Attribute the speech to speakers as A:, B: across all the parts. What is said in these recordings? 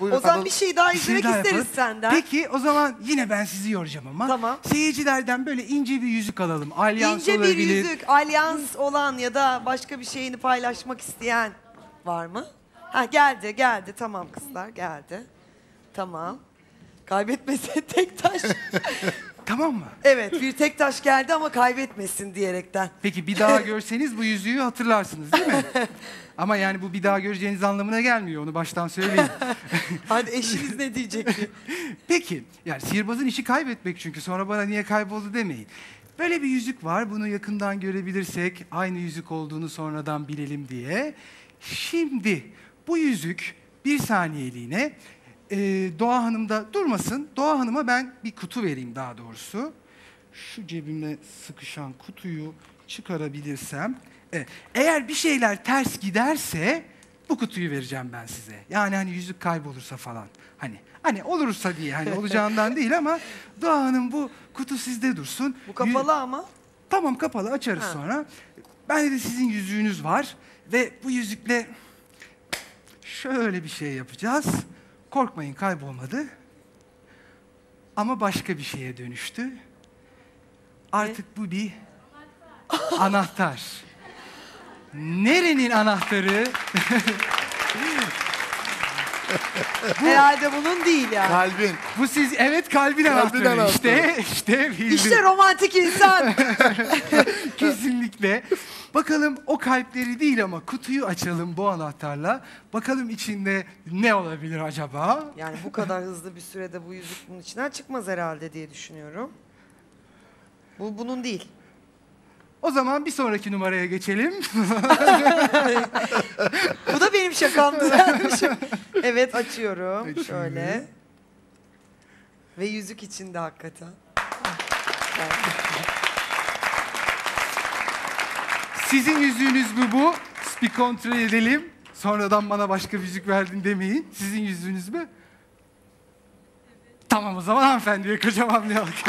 A: Buyurun.
B: O zaman bir şey daha
C: Bir şey
B: izlemek
C: daha
B: isteriz
C: yapalım.
B: senden.
C: Peki o zaman yine ben sizi yoracağım ama.
B: Tamam.
C: Seyircilerden böyle ince bir yüzük alalım. Alyans
B: İnce bir
C: olabilir.
B: yüzük, alyans olan ya da başka bir şeyini paylaşmak isteyen var mı? Ha geldi. Tamam kızlar geldi. Tamam. Kaybetmesin tek taş.
C: Tamam mı?
B: Evet bir tek taş geldi ama kaybetmesin diyerekten.
C: Peki bir daha görseniz bu yüzüğü hatırlarsınız değil mi? Ama yani bu bir daha göreceğiniz anlamına gelmiyor. Onu baştan söyleyeyim.
B: Hadi eşiniz ne diyecekti?
C: Peki yani sihirbazın işi kaybetmek çünkü sonra bana niye kayboldu demeyin. Böyle bir yüzük var. Bunu yakından görebilirsek aynı yüzük olduğunu sonradan bilelim diye. Şimdi bu yüzük bir saniyeliğine Doğa Hanım da durmasın. Doğa Hanım'a ben bir kutu vereyim daha doğrusu. Şu cebime sıkışan kutuyu çıkarabilirsem. Eğer bir şeyler ters giderse bu kutuyu vereceğim ben size. Yani hani yüzük kaybolursa falan. Hani olursa diye hani olacağından değil ama Doğa Hanım bu kutu sizde dursun.
B: Bu kapalı ama.
C: Tamam kapalı açarız sonra. Bende de sizin yüzüğünüz var ve bu yüzükle şöyle bir şey yapacağız. Korkmayın kaybolmadı. Ama başka bir şeye dönüştü. Artık bu bir anahtar. Nerenin anahtarı?
B: Herhalde bunun değil yani.
A: Kalbin.
C: Bu siz evet kalbin anahtarı.
A: anahtarı.
C: İşte bildim.
B: İşte romantik insan.
C: Kesinlikle. Bakalım o kalpleri değil ama kutuyu açalım bu anahtarla. Bakalım içinde ne olabilir acaba?
B: Yani bu kadar hızlı bir sürede bu yüzük bunun içinden çıkmaz herhalde diye düşünüyorum. Bu bunun değil.
C: O zaman bir sonraki numaraya geçelim.
B: Bu da benim şakamdı dermişim. Evet açıyorum.
C: Açıyoruz.
B: Şöyle. Ve yüzük içinde hakikaten.
C: Sizin yüzüğünüz bu. Bir kontrol edelim. Sonradan bana başka bir yüzük verdin demeyin. Sizin yüzüğünüz mü? Tamam o zaman hanımefendiye kocaman bir alkış.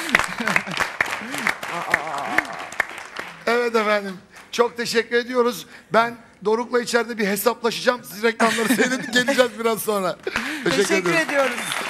A: Evet efendim. Çok teşekkür ediyoruz. Ben Doruk'la içeride bir hesaplaşacağım. Siz reklamları seyredin geleceğiz biraz sonra.
B: Teşekkür ediyoruz.